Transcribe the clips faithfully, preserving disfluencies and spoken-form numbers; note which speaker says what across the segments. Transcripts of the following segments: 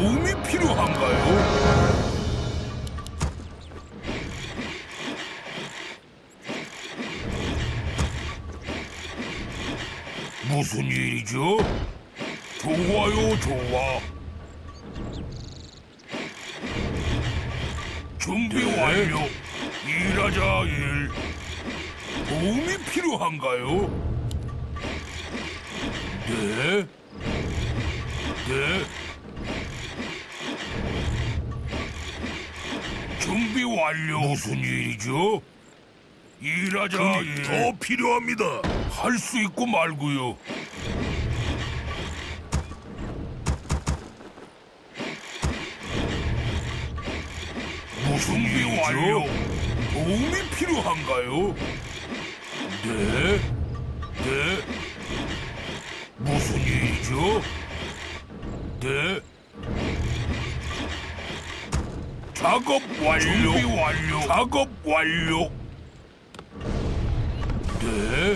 Speaker 1: 도움이 필요한가요? 무슨 일이죠? 좋아요, 좋아. 준비 완료. 일하자, 일. 도움이 필요한가요? 네. 네. 준비 완료. 무슨 일이죠? 일하자, 일. 더 필요합니다. 할 수 있고 말고요. 무슨 일이죠? 도움이 필요한가요? 네. 네. 무슨 일이죠? 네. 작업 완료. 준비 완료. 작업 완료. 네.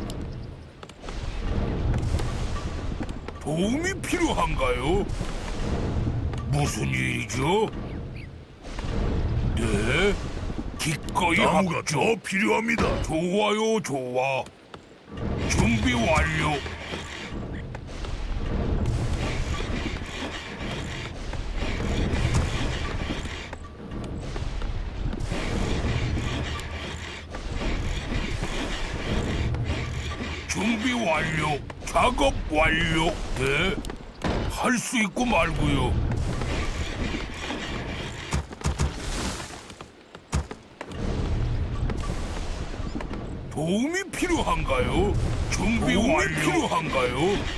Speaker 1: 도움이 필요한가요? 무슨 일이죠? 네. 기꺼이 나무가 합죠. 더 필요합니다. 좋아요, 좋아. 준비 완료. 준비 완료. 작업 완료. 네. 할 수 있고 말고요. 도움이 필요한가요? 준비 완료. 필요한가요?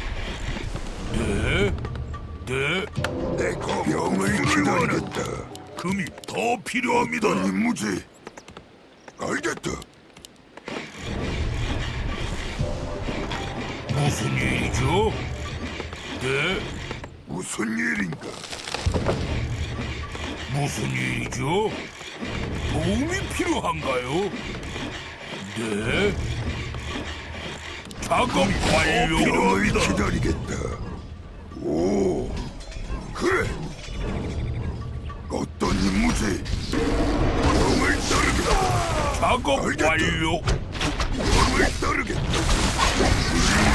Speaker 1: 네. 네.
Speaker 2: 내가 병을 기다리겠다.
Speaker 1: 금이 더 필요합니다.
Speaker 2: 어떤 임무지? 알겠다.
Speaker 1: 무슨 일이죠? 네.
Speaker 2: 무슨 일인가?
Speaker 1: 무슨 일이죠? 도움이 필요한가요? 네. 작업 완료.
Speaker 2: 병을 기다리겠다. 오, 그래. 어떤 임무지? 병을 따르겠다.
Speaker 1: 작업
Speaker 2: 알겠다.
Speaker 1: 완료.
Speaker 2: 병을 따르겠다. 무슨